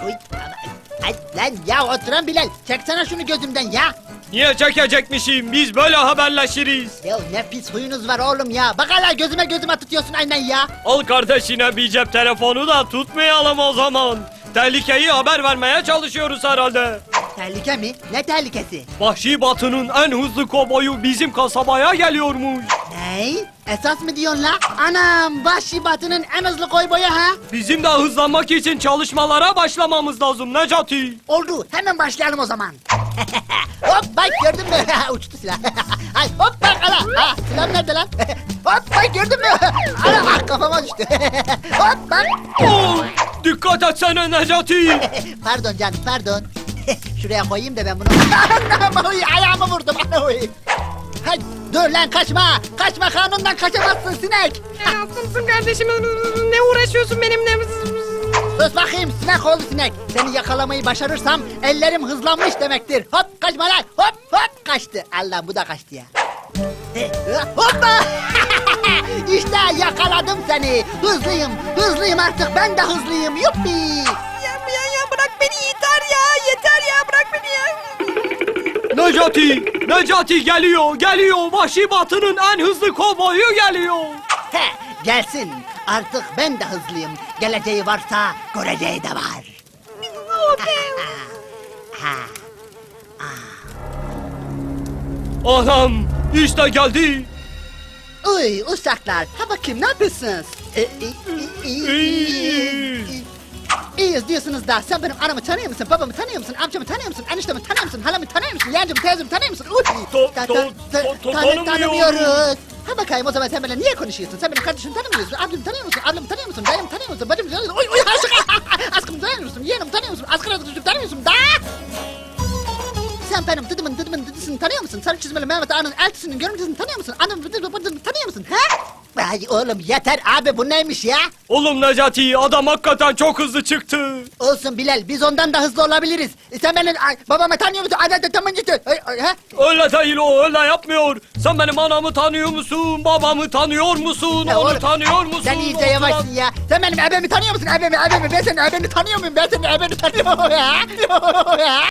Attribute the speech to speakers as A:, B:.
A: Uy, ay, lan ya oturan Bilal. Çeksene şunu gözümden ya.
B: Niye çekecekmişim? Biz böyle haberleşiriz.
A: Ya ne pis huyunuz var oğlum ya. Bak hala gözüme tutuyorsun aynen ya.
B: Al kardeşine bir cep telefonu da tutmayalım o zaman. Tehlikeyi haber vermeye çalışıyoruz herhalde.
A: Tehlike mi? Ne tehlikesi?
B: Vahşi Batı'nın en hızlı kovboyu bizim kasabaya geliyormuş.
A: Ney? Esas mı diyorsun la? Anam Vahşi Batı'nın en hızlı koyboyu ha?
B: Bizim de hızlanmak için çalışmalara başlamamız lazım Necati.
A: Oldu. Hemen başlayalım o zaman. Hop bak gördün mü? Uçtu silah. Ay hop bak ala. Ha, silah nerede lan? Hop bak gördün mü? Ala ah, kafama düştü. Hop bak.
B: Oh, dikkat etsene Necati.
A: Pardon canım pardon. Şuraya koyayım da ben bunu. Anam oy, ayağımı vurdum. Oy. Hay, dur lan kaçma. Kaçma kanundan kaçamazsın sinek.
C: Aslımsın kardeşim, ne uğraşıyorsun benimle?
A: Sus bakayım sinek oğlu sinek. Seni yakalamayı başarırsam ellerim hızlanmış demektir. Hop kaçma lan. Hop hop kaçtı. Allah bu da kaçtı ya. Hoppa. İşte yakaladım seni. Hızlıyım artık ben de hızlıyım. Yuppi.
C: Ya bırak beni yeter ya bırak beni ya.
B: Necati geliyor. Vahşi Batı'nın en hızlı kovboyu geliyor.
A: He, gelsin. Artık ben de hızlıyım. Geleceği varsa göreceği de var.
B: Anam işte geldi.
A: Uy uşaklar. Ha bakayım ne yapıyorsunuz? İyiyiz diyorsunuz da sen benim anamı tanıyor musun? Babamı tanıyor musun? Amcamı tanıyor musun? Eniştemi tanıyor musun? Halamı tanıyor musun? Yeğencimi, teyzemi tanıyor musun? Tanımıyoruz. Ha bakayım o zaman sen benimle niye konuşuyorsun? Sen benim kardeşimi tanımıyor musun? Ablamı tanıyor musun? Ablamı tanıyor musun? Dayımı tanıyor musun? Bacımı tanıyor musun? Uy aşık! Aşkımı tanıyor musun? Yeğenimi tanıyor musun? Askır arkadaşımı tanıyor musun? Da! Sen benim dıdımın dıdısını tanıyor musun? Sarı çizmeli Mehmet Ağa'nın eltisinin görüntüsünü tanıyor musun? Anamın dıdımını tanıyor musun? Ha? Ay oğlum yeter abi bu neymiş ya?
B: Oğlum Necati adam hakikaten çok hızlı çıktı.
A: Olsun Bilal biz ondan da hızlı olabiliriz. Sen benim babamı tanıyor musun? Ha?
B: Öyle değil o öyle yapmıyor. Sen benim anamı tanıyor musun? Babamı tanıyor musun?
A: Ya
B: Onu
A: oğlum,
B: tanıyor musun?
A: Sen iyice yavaşsın ya. Sen benim ebemi tanıyor musun? Ebemi. Ben senin ebeni tanıyor muyum? Ben senin ebeni tanıyorum ya.